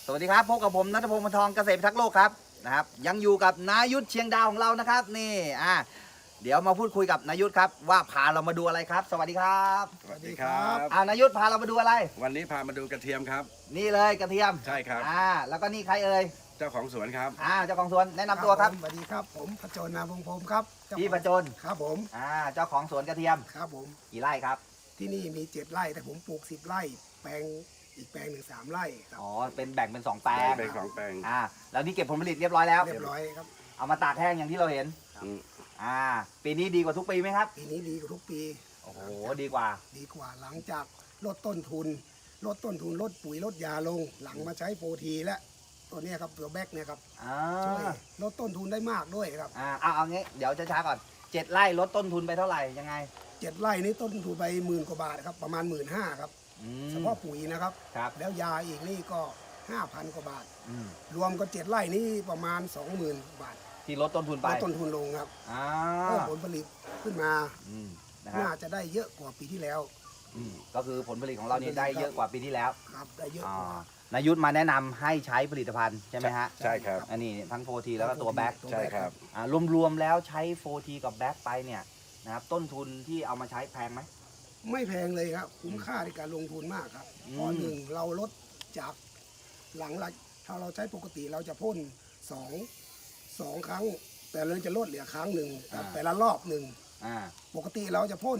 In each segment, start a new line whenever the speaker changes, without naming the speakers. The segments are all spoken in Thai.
สวัสดีครับพบกับผมณัฐพงศ์ วงศ์ทองเกษตรพิทักษ์โลกครับนะครับยังอยู่กับนายุทธเชียงดาวของเรานะครับนี่เดี๋ยวมาพูดคุยกับนายุทธครับว่าพาเรามาดูอะไรครับ สวัสดีครับ
สวัสดีครับ
นายุทธพาเรามาดูอะไร
วันนี้พามาดูกระเทียมครับ
นี่เลยกระเทียม
ใช่ครับ
แล้วก็นี่ใครเอ่ย
เจ้าของสวนครับ
เจ้าของสวนแนะนำตัวครับ
สวัสดีครับผมพจนนามวงศ์พรหมครับ
พี่พจน
ครับผม
เจ้าของสวนกระเทียม
ครับผม
กี่ไร่ครับ
ที่นี่มี7 ไร่แต่ผมปลูก10 ไร่แปลงอีกแปลงหนึ่ง3 ไร่ครับ
เป็นแบ่งเป็น2 แปลง
เป็น2 แปลง
แล้วนี่เก็บผลผลิตเรียบร้อยแล้ว
เรียบร้อยครับ
เอามาตากแห้งอย่างที่เราเห็นปีนี้ดีกว่าทุกปีไหมครับ
ปีนี้ดีกว่าทุกปี
โอ้โหดีกว่า
หลังจากลดต้นทุนลดปุ๋ยลดยาลงหลังมาใช้โปรทีและตัวนี้ครับตัวแบกเนี่ยครับช่วยลดต้นทุนได้มากด้วยครับ
เอางี้เดี๋ยวช้าๆก่อน7 ไร่ลดต้นทุนไปเท่าไหร่ยังไง
7 ไร่นี้ต้นทุนไป10,000 กว่าบาทครับประมาณ 15,000 ครับเฉพาะปุ๋ยนะครับแล้วยาอีกนี่ก็ 5,000 กว่าบาทรวมก็7 ไร่นี้ประมาณ 20,000 บาท
ที่ลดต้นทุนไป
ลดต้นทุนลงครับเพิ่มผลผลิตขึ้นมาน่าจะได้เยอะกว่าปีที่แล้ว
ก็คือผลผลิตของเรานี่ได้เยอะกว่าปีที่แล้ว
ครับได้เยอะกว่า
นายุทธมาแนะนำให้ใช้ผลิตภัณฑ์ใช่ไหมฮะ
ใช่ครับ
อันนี้ทั้งโฟทีแล้วก็ตัวแบ็ค
ใช่ครับ
รวมๆแล้วใช้โฟทีกับแบ็คไปเนี่ยนะครับต้นทุนที่เอามาใช้แพงไหม
ไม่แพงเลยครับคุ้มค่าในการลงทุนมากครับเพราะหนึ่งเราลดจากหลังถ้าเราใช้ปกติเราจะพ่น2 ครั้งแต่เราจะลดเหลือครั้งหนึ่งแต่ละรอบหนึ่งปกติเราจะพ่น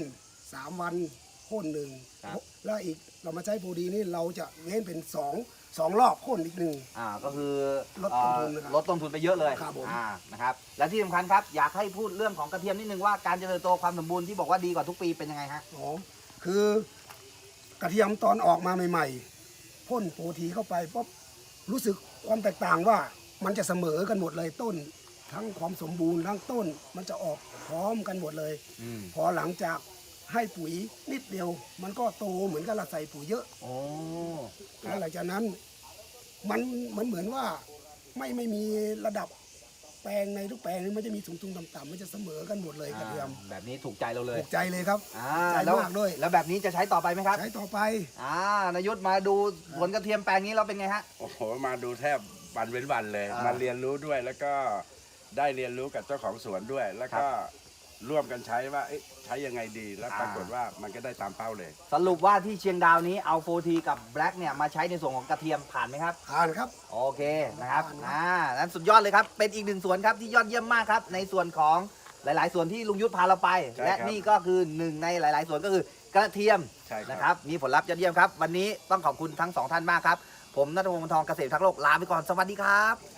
3 วันพ่นหนึ่งแล้วอีกเรามาใช้โปรดีนี่เราจะเว้นเป็น2 รอบพ่นอีกหนึ่ง
ก็คือ
ลดต้นทุน
ลดต้นทุนไปเยอะเลย
ครับผม
นะครับและที่สำคัญครับอยากให้พูดเรื่องของกระเทียมนิดนึงว่าการเจริญโตความสมบูรณ์ที่บอกว่าดีกว่าทุกปีเป็นยังไงฮะ
คือกระเทียมตอนออกมาใหม่ๆพ่นโปรทีเข้าไปปุ๊บรู้สึกความแตกต่างว่ามันจะเสมอกันหมดเลยต้นทั้งความสมบูรณ์ทั้งต้นมันจะออกพร้อมกันหมดเลยพอหลังจากให้ปุ๋ยนิดเดียวมันก็โตเหมือนกับเราใส่ปุ๋ยเยอะแล้วหลังจากนั้นมันเหมือนว่าไม่มีระดับแปลงในทุกแปลงมันจะมีสูงต่ำๆมันจะเสมอกันหมดเลยกระเทียม
แบบนี้ถูกใจเราเลย
ถูกใจเลยครับใจมากด้วย
แล้วแบบนี้จะใช้ต่อไปไหมครับ
ใช้ต่อไป
นายุทธมาดูสวนกระเทียมแปลงนี้เราเป็นไงฮะ
โอ้โหมาดูแทบวันเว้นวันเลยมาเรียนรู้ด้วยแล้วก็ได้เรียนรู้กับเจ้าของสวนด้วยแล้วก็ร่วมกันใช้ว่าใช้ยังไงดีแล้วปรากฏว่ามันก็ได้ตามเป้าเลย
สรุปว่าที่เชียงดาวนี้เอาโฟทีกับแบล็กเนี่ยมาใช้ในส่วนของกระเทียมผ่านไหมครับ
ผ่านครับ
โอเคนะครับนั้นสุดยอดเลยครับเป็นอีกหนึ่งสวนครับที่ยอดเยี่ยมมากครับในส่วนของหลายๆสวนที่ลุงยุทธพาเราไปและนี่ก็คือหนึ่งในหลายๆสวนก็คือกระเทียมนะครับมีผลลัพธ์ยอดเยี่ยมครับวันนี้ต้องขอบคุณทั้ง2 ท่านมากครับผมณัฐพงศ์ วงศ์ทองเกษตรพิทักษ์โลกลาไปก่อนสวัสดีครับ